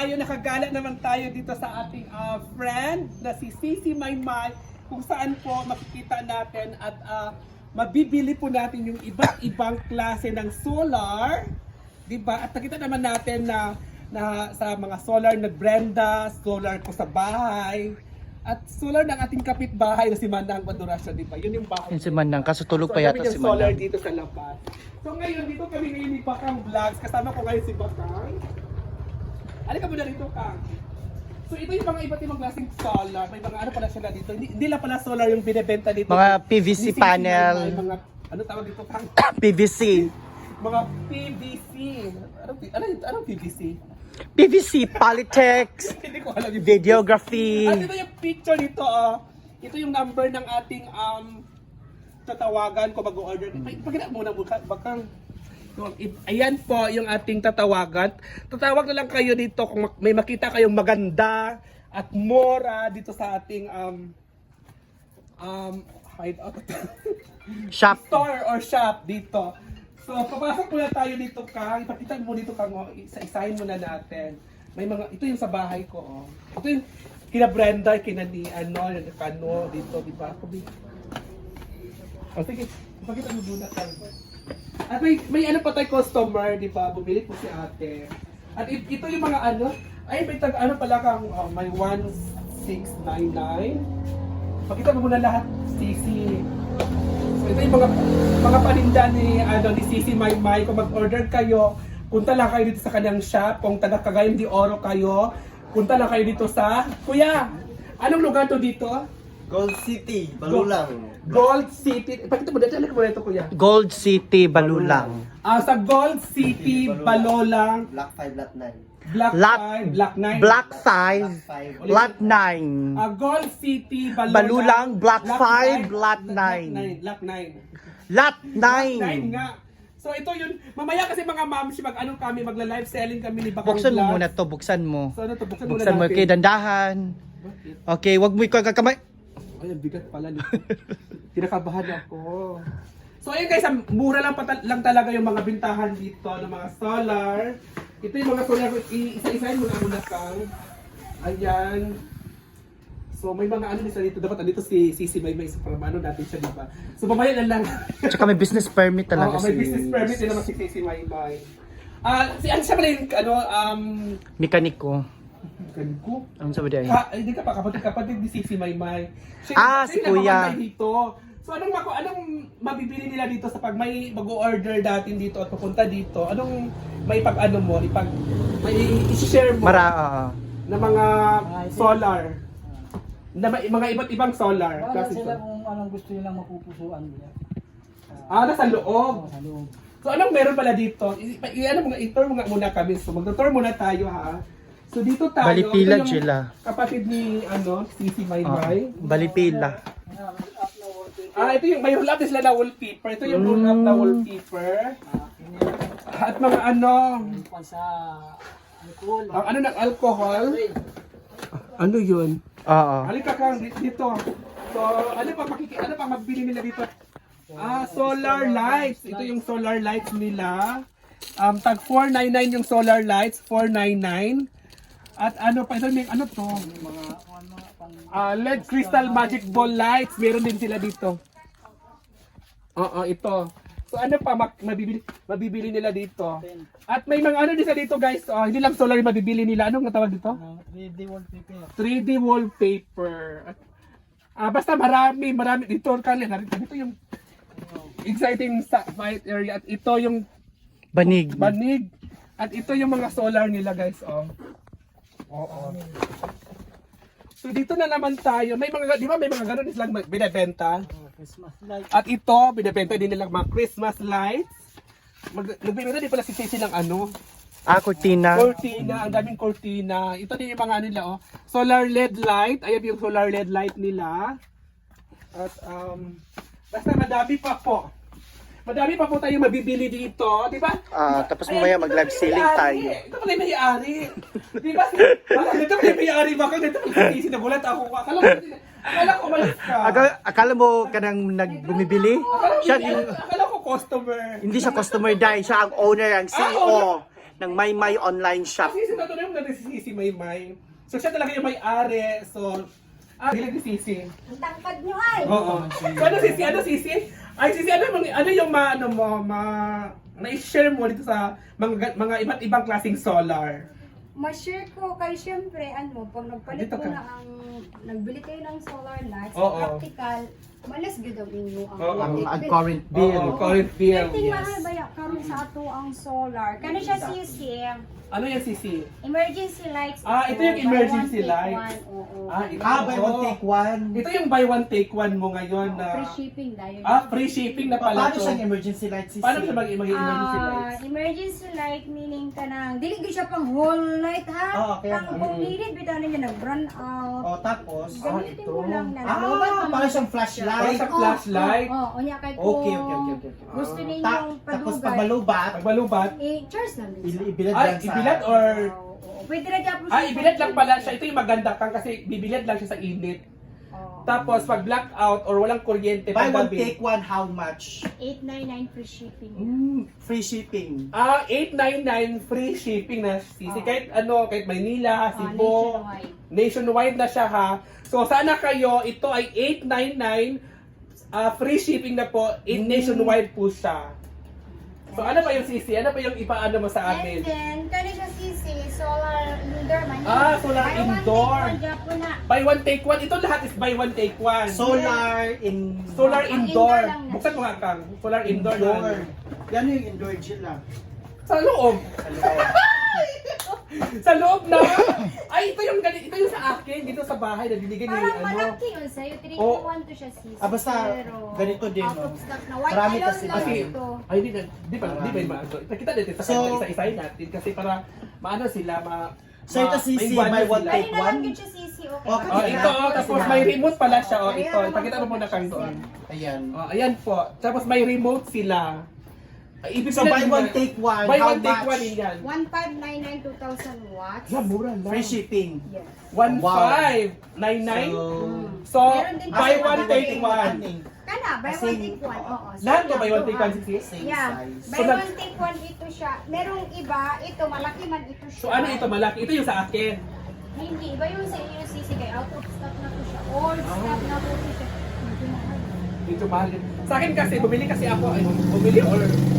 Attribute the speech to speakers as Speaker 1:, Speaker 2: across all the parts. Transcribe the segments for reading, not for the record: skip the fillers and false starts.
Speaker 1: tayo, nakagala naman tayo dito sa ating friend na si Sisi Maymay, kung saan po makikita natin at mabibili po natin yung iba't ibang klase ng solar, di ba? At nakita naman natin na sa mga solar na Brenda, solar ko sa bahay, at solar ng ating kapitbahay na si Manang Madurasyo, di ba? Yun yung bahay.
Speaker 2: Yun si Manang, kaso tulog
Speaker 1: So,
Speaker 2: pa yata
Speaker 1: kami
Speaker 2: si
Speaker 1: yung solar
Speaker 2: Manang.
Speaker 1: dito sa labas. So ngayon, dito kami ngayon ni Bakang Vlogs. Kasama ko ngayon si Bakang. Halika muna dito, Kang. So ito yung mga iba't ibang klaseng solar. May mga ano pala sila dito. Hindi lang pala solar yung binebenta dito.
Speaker 2: Mga PVC
Speaker 1: May
Speaker 2: panel.
Speaker 1: mga, ano tawag dito, Kang?
Speaker 2: PVC.
Speaker 1: Mga PVC. Anong PVC?
Speaker 2: PVC, Polytex,
Speaker 1: Hindi ko alam yung
Speaker 2: videography.
Speaker 1: At ito yung picture dito, ito yung number ng ating tatawagan ko mag-order. Pagkita muna Bakang. Ayan po yung ating tatawagan. Tatawag na lang kayo dito kung may makita kayong maganda at mura dito sa ating hideout.
Speaker 2: Shop.
Speaker 1: Store or shop dito. So, papasok muna tayo dito, Kang. Ipakita mo dito, Kang. Isa-isahin muna natin. May mga, ito yung sa bahay ko, oh. Ito yung kina Brenda, kina ni, Kano, dito, di ba? Oh, sige, ipakita mo muna, Kang. At may ano pa tayo customer, di ba? Bumili po si ate. At ito yung mga ay may ano pala Kang, may 1699. Pakita mo muna lahat, Sisi. So ito yung mga paninda ni Sisi Maymay. Kung mag-order kayo, punta lang kayo dito sa kanyang shop. Kung taga Cagayan de Oro kayo, punta lang kayo dito sa Kuya, anong lugar to dito?
Speaker 3: Gold City, Balulang.
Speaker 1: Gold City. Pakita mo dito, mo ito, Kuya.
Speaker 2: Gold City, Balulang.
Speaker 1: Sa Gold City, Balolang,
Speaker 3: Block 5, Lot 9.
Speaker 1: Block
Speaker 2: Lot
Speaker 1: 5, Block 9.
Speaker 2: Block 5, Lot 9.
Speaker 1: Gold City,
Speaker 2: Balulang, Block 5, Lot 9.
Speaker 1: Lot 9.
Speaker 2: Lot
Speaker 1: 9
Speaker 2: 9.
Speaker 1: nga. So ito yun, mamaya kasi mga ma'ams, kami, magla-live selling kami ni Bakang
Speaker 2: Buksan mo
Speaker 1: Vlogs.
Speaker 2: muna to, buksan mo.
Speaker 1: So ano to, buksan
Speaker 2: Buksan mo,
Speaker 1: natin.
Speaker 2: okay, dandahan.
Speaker 1: Bakit?
Speaker 2: Okay, wag mo ikaw kakamay.
Speaker 1: Ay, ang bigat pala nito. Kinakabahan ako. So ayun guys, mura lang talaga yung mga bintahan dito ng mga solar. Ito yung mga solar, isa-isahin mo na Kang. Ayan. So may mga dito, dapat andito si Sisi Maymay, so para natin siya, diba? So mamaya na lang.
Speaker 2: Tsaka may business permit talaga
Speaker 1: May business permit din naman si Sisi Maymay. Siya pala yung
Speaker 2: mekaniko.
Speaker 1: Ganko.
Speaker 2: Ano sabi dahil?
Speaker 1: Hindi ka pa kapatid ni Sisi Maymay.
Speaker 2: Si Kuya.
Speaker 1: Dito. So anong mabibili nila dito sa pag may mag-order datin dito at pupunta dito? Anong may may i-share mo na mga solar? Na mga iba't ibang solar.
Speaker 4: Wala
Speaker 1: Kasi
Speaker 4: sila kung anong gusto nilang mapupusuan nila.
Speaker 1: nasa loob.
Speaker 4: Sa loob.
Speaker 1: So anong meron pala dito? I-tour muna kami. So mag-tour muna tayo, ha. So dito tayo.
Speaker 2: Balipila
Speaker 1: ito yung
Speaker 2: sila.
Speaker 1: Kapatid ni Sisi Maymay.
Speaker 2: Balipila.
Speaker 1: Ito yung may roll up sila na wallpaper. Ito yung roll up na wallpaper. At mga
Speaker 4: Sa alcohol.
Speaker 1: ng alcohol. Ano yun?
Speaker 2: Oo.
Speaker 1: Halika Kang dito. So, ano pa mabili nila dito? Solar lights. Ito yung solar lights nila. Tag 499 yung solar lights, 499. At pa ito may to? LED crystal magic ball lights, meron din sila dito. Ito. So mabibili nila dito. At may mga din sa dito guys. Hindi lang solar yung mabibili nila. Anong tawag dito?
Speaker 4: 3D wallpaper.
Speaker 1: 3D wallpaper. Basta marami dito. Dito yung exciting white area. At ito yung
Speaker 2: Banig.
Speaker 1: At ito yung mga solar nila guys. Oo. So dito na naman tayo. May mga, di ba may mga ganun silang binebenta?
Speaker 4: Christmas light.
Speaker 1: At ito, binebenta din nila mga Christmas lights. Nagbibenta din pala si Ceci ng
Speaker 2: Cortina.
Speaker 1: cortina. Ang daming cortina. Ito din yung mga nila, solar LED light. Ayan yung solar LED light nila. At basta madami pa po. Madami pa po tayong mabibili dito, di ba?
Speaker 2: Tapos mamaya mag-live selling tayo.
Speaker 1: Ito pala yung may-ari. Di ba? Ito pala yung may-ari. Baka dito sinagulat ako. Akala ko malis ka.
Speaker 2: Akala mo kanang nagbumibili?
Speaker 1: Akala ko customer.
Speaker 2: Hindi siya customer dahil siya ang owner, ang CEO ng Maymay online shop.
Speaker 1: Kasi sinatuloy mo na si Sisi si Maymay. So siya talaga yung may-ari. So, hilig ni Sisi.
Speaker 5: Ang tangkad nyo ay!
Speaker 1: Oo. So ano Sisi? Ay Sisi, ano yung na-share mo dito sa mga iba't ibang klaseng solar?
Speaker 5: Ma-share ko kay syempre, pag nagpalit
Speaker 1: Dito
Speaker 5: ko
Speaker 1: ka.
Speaker 5: na nagbili kayo ng solar lights,
Speaker 1: Oo.
Speaker 5: practical, malas gud ang inyo ang
Speaker 1: Oo.
Speaker 5: electric
Speaker 2: Ang
Speaker 5: bill.
Speaker 2: current bill.
Speaker 1: Oo, current bill.
Speaker 5: Kating
Speaker 1: Yes.
Speaker 5: mahal ba ya karon sa ato ang solar? Kano siya Sisi?
Speaker 1: Ano yan Sisi?
Speaker 5: Emergency lights.
Speaker 1: Ito yung
Speaker 5: Buy
Speaker 1: emergency
Speaker 5: one, take
Speaker 1: lights.
Speaker 5: one. Oo.
Speaker 1: Ito.
Speaker 3: Buy one, take one.
Speaker 1: Ito yung buy one take one mo ngayon na
Speaker 5: Free shipping dahil.
Speaker 1: free shipping na pala
Speaker 3: Paano
Speaker 1: to.
Speaker 3: siyang emergency light, Sisi?
Speaker 1: Paano siya mag-emergency lights?
Speaker 5: Emergency light meaning kanang dili gyud siya pang whole light ha.
Speaker 3: Okay.
Speaker 5: Pang kung needed bitaw ninyo nag-run out.
Speaker 3: O, tapos?
Speaker 5: Gamitin
Speaker 1: ito.
Speaker 5: mo lang na. Lobat pa
Speaker 3: Parang
Speaker 5: man
Speaker 3: siyang
Speaker 1: Parang
Speaker 3: flashlight.
Speaker 1: sa flashlight.
Speaker 5: Unya kay ko.
Speaker 3: Okay.
Speaker 5: Gusto
Speaker 1: Ah.
Speaker 5: ninyong
Speaker 3: Tapos
Speaker 5: padugay.
Speaker 3: pag malubat,
Speaker 1: Pagbalubat.
Speaker 5: Charge lang din.
Speaker 3: ibilad
Speaker 1: Ay,
Speaker 3: lang sa...
Speaker 1: ibilad or...
Speaker 5: Oo. Pwede na dyan po
Speaker 1: Ibilad lang pala siya. Ito yung maganda kang kasi bibilad lang siya sa init.
Speaker 5: Oo.
Speaker 1: Tapos pag blackout or walang kuryente
Speaker 3: Buy one,
Speaker 1: paggabi.
Speaker 3: take one, how much?
Speaker 5: 899 free shipping.
Speaker 3: Free shipping.
Speaker 1: 899 free shipping na Sisi.
Speaker 5: Oh.
Speaker 1: Kahit Maynila, Cebu,
Speaker 5: Nationwide.
Speaker 1: nationwide na siya ha. So sana kayo, ito ay 899 free shipping na po, nationwide po siya. So ano pa yung Sisi? Ano pa yung ipaano mo sa
Speaker 5: And
Speaker 1: amin?
Speaker 5: then, kano siya Sisi, solar indoor man.
Speaker 1: Solar
Speaker 5: Buy one,
Speaker 1: indoor.
Speaker 5: take one, Japan na.
Speaker 1: Buy one take one. Ito lahat is buy one take one.
Speaker 3: Solar in...
Speaker 1: Solar
Speaker 5: Ang
Speaker 1: indoor.
Speaker 5: indoor lang na.
Speaker 1: Buksan mo nga kang. Solar indoor.
Speaker 3: Indoor.
Speaker 1: na.
Speaker 3: Yan yung indoor sila.
Speaker 1: Sa loob. Sa loob na. Ay, ito yung sa akin dito sa bahay na binigay ni
Speaker 5: Parang
Speaker 1: ano.
Speaker 5: malaki yun sa'yo. 3
Speaker 1: Oh.
Speaker 5: in 1 to siya Sisi.
Speaker 3: Basta
Speaker 5: Pero,
Speaker 3: ganito din,
Speaker 5: out
Speaker 3: no?
Speaker 5: of stock na. White
Speaker 3: Marami
Speaker 5: alone
Speaker 3: kasi
Speaker 5: lang
Speaker 1: Kasi,
Speaker 5: ito.
Speaker 1: ay, di pa maano. Kita natin sa
Speaker 3: So-
Speaker 1: isa-isahin natin kasi para maano sila,
Speaker 3: So ito Sisi,
Speaker 1: mainggan
Speaker 3: buy
Speaker 1: na
Speaker 3: one,
Speaker 1: sila.
Speaker 3: take
Speaker 5: Pwede na lang
Speaker 3: one?
Speaker 5: yun siya Sisi. Okay.
Speaker 3: Okay.
Speaker 1: Oh, ito, tapos may remote pala siya. Oh, ito.
Speaker 5: Ayan,
Speaker 1: Ipakita mo muna kang doon.
Speaker 3: Ayan.
Speaker 1: Oh, ayan po. Tapos may remote sila. Ibig
Speaker 3: So buy one, take one,
Speaker 1: Buy
Speaker 3: how
Speaker 1: one, take one
Speaker 3: much?
Speaker 1: yan.
Speaker 5: 1599 2,000 watts.
Speaker 1: Yeah, mura lang.
Speaker 3: Free shipping.
Speaker 5: Yes.
Speaker 1: 1599. So,
Speaker 5: Meron din
Speaker 1: buy
Speaker 5: kasi
Speaker 1: one,
Speaker 5: mga
Speaker 1: take
Speaker 5: take
Speaker 1: one.
Speaker 5: Kana, buy
Speaker 3: Kasi-
Speaker 5: one take one. Oo.
Speaker 1: Lahat ba
Speaker 5: Same
Speaker 1: buy
Speaker 5: lang
Speaker 1: one,
Speaker 5: to,
Speaker 1: take
Speaker 5: ha?
Speaker 1: one, sis?
Speaker 3: Same
Speaker 5: Yeah.
Speaker 3: size.
Speaker 5: Buy
Speaker 1: So, nag-
Speaker 5: one take one ito siya. Merong iba, ito malaki man ito siya.
Speaker 1: So, ano ito malaki? Ito yung sa akin.
Speaker 5: Hindi, iba yung sa inyo Sisi kay out of stock na to siya. All stock na to siya. Medyo mahal.
Speaker 1: Dito mahal yun. Sa akin kasi, bumili kasi ako, ay, bumili or,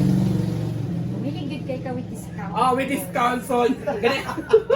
Speaker 5: Bumili good kay ka with discount.
Speaker 1: with discount. So, ganito.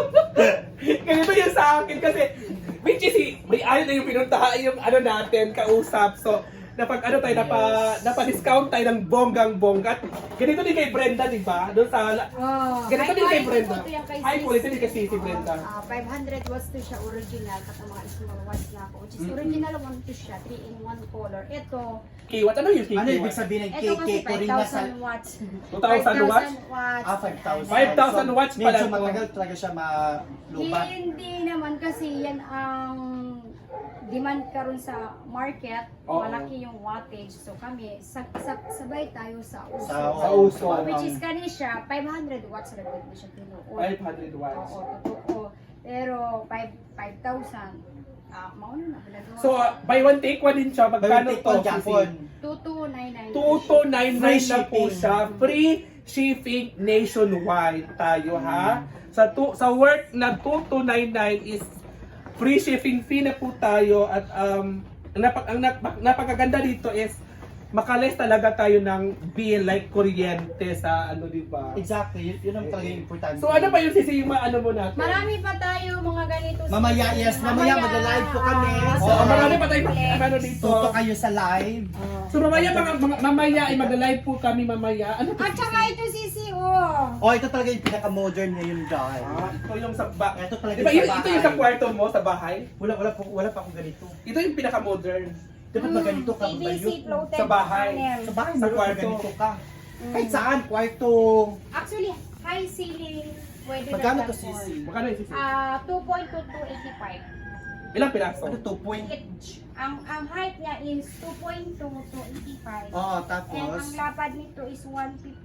Speaker 1: Ganito yung sa akin kasi, which is, may ano na yung pinuntahan, yung ano natin, kausap. So, napa-discount tayo ng bonggang-bongga. Ganito din kay Brenda, di ba? Doon sa, ganito din kay Brenda. High quality din kasi si Brenda.
Speaker 5: 500 watts to siya original at mga small watts na ako. Which is original one to siya, 3 in 1 color. Ito,
Speaker 1: Kiwat, ano yung
Speaker 3: Ano ibig
Speaker 1: kiwat?
Speaker 3: sabihin ng
Speaker 5: ito kasi
Speaker 3: KK? Kurina sa...
Speaker 5: 5,000 watts.
Speaker 1: 2,000 watts?
Speaker 3: 5,000.
Speaker 1: 5,000 watts pala
Speaker 3: Medyo
Speaker 1: to.
Speaker 3: matagal talaga siya malubat.
Speaker 5: Hindi naman kasi yan ang demand karon sa market,
Speaker 1: Oo.
Speaker 5: malaki yung wattage. So kami, sabay tayo sa uso.
Speaker 1: Sa uso.
Speaker 5: Which is kani siya, 500 watts na din siya tinuod.
Speaker 1: 500 watts.
Speaker 5: Oo, totoo. Pero 5,000, mauna na pinagawa.
Speaker 1: So, buy one take one din siya. Magkano
Speaker 3: Take
Speaker 1: to?
Speaker 3: one Japon.
Speaker 5: 2299.
Speaker 1: 2299
Speaker 3: Free
Speaker 1: na po
Speaker 3: shipping.
Speaker 1: siya. Free shipping nationwide tayo ha. Sa work na 2299 is free shipping fee na po tayo at ang napakaganda dito is makaless talaga tayo ng bill like kuryente sa ano di ba?
Speaker 3: Exactly, yun ang talaga yung importante.
Speaker 1: So ano pa yung sisi yung ano mo natin?
Speaker 5: Marami pa tayo mga ganito.
Speaker 3: Mamaya, yes, mamaya mag-live po kami.
Speaker 1: So,
Speaker 3: Oo.
Speaker 1: marami pa tayong ano dito.
Speaker 3: Tuto kayo sa live.
Speaker 1: So mamaya mamaya ay mag-live po kami mamaya. Ano to?
Speaker 5: At saka ito sisi, oh.
Speaker 3: Oh, ito talaga yung pinaka-modern ngayon, guys.
Speaker 1: Ito yung sa
Speaker 3: Ito talaga
Speaker 1: Diba,
Speaker 3: yung
Speaker 1: ito yung sa kwarto mo sa bahay?
Speaker 3: Wala pa akong ganito.
Speaker 1: Ito yung pinaka-modern.
Speaker 3: Dapat ba ganito ka?
Speaker 5: PVC
Speaker 3: Bayot?
Speaker 5: floated
Speaker 1: Sa bahay.
Speaker 5: panel.
Speaker 3: Sa bahay,
Speaker 1: Sa
Speaker 3: sa
Speaker 1: kwarto.
Speaker 3: ganito ka. Kahit saan, kwarto.
Speaker 5: Actually, high ceiling, pwede
Speaker 3: Magkano
Speaker 5: na
Speaker 3: to,
Speaker 5: platform.
Speaker 3: Sisi?
Speaker 1: Magkano yung sisi?
Speaker 5: 2.2 to 85.
Speaker 1: Ilang piraso?
Speaker 3: Ano to, point?
Speaker 5: Each. Ang height niya is 2.2 to 85.
Speaker 3: Oo,
Speaker 5: And
Speaker 3: tapos,
Speaker 5: ang lapad nito is 154.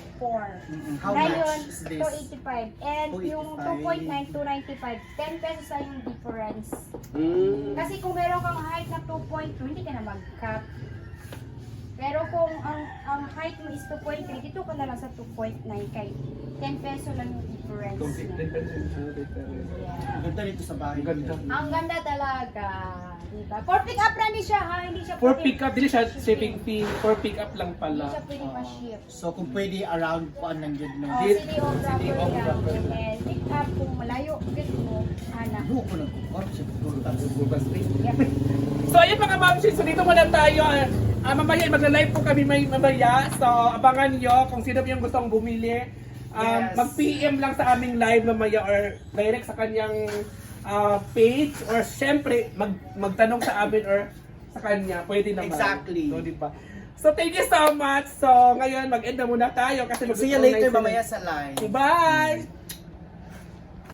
Speaker 3: how
Speaker 5: Ngayon,
Speaker 3: much is this?
Speaker 5: 285. And yung
Speaker 3: 285.
Speaker 5: 2.9 to 95, 10 pesos ay yung difference.
Speaker 1: Mm.
Speaker 5: Kasi kung meron kang height na 2.2, hindi ka na mag-cut. Pero kung ang height mo is 2.3, dito ka na lang sa 2.9 kay 10 peso lang yung difference niya.
Speaker 3: Ganda dito sa bahay.
Speaker 1: Ang ganda.
Speaker 5: Ang ganda talaga. Diba? For pick up lang din siya ha. Hindi siya
Speaker 1: For
Speaker 5: pwede-
Speaker 1: pick up, dili siya shipping fee. For pick up lang
Speaker 5: Hindi
Speaker 1: pala.
Speaker 5: siya pwede ma-ship.
Speaker 3: So kung pwede around po ang nandiyan no.
Speaker 5: Oh,
Speaker 1: Di-
Speaker 5: city of
Speaker 1: City
Speaker 5: proper
Speaker 1: of
Speaker 5: lang.
Speaker 1: proper lang.
Speaker 5: And pick up kung malayo. Gusto mo, anak.
Speaker 3: Buo ko ng kukor sa siguro.
Speaker 5: Yep.
Speaker 1: So ayun mga mamshis, so dito muna tayo. Mamaya magla-live po kami mamaya. So abangan nyo kung sino yung gustong bumili.
Speaker 3: Yes.
Speaker 1: Mag-PM lang sa aming live mamaya or direct sa kanyang page or syempre magtanong sa amin or sa kanya. Pwede naman.
Speaker 3: Exactly.
Speaker 1: So, diba? So thank you so much. So ngayon mag-end na muna tayo kasi
Speaker 3: See you
Speaker 1: mag-online
Speaker 3: later
Speaker 1: sila.
Speaker 3: mamaya sa live.
Speaker 1: Bye!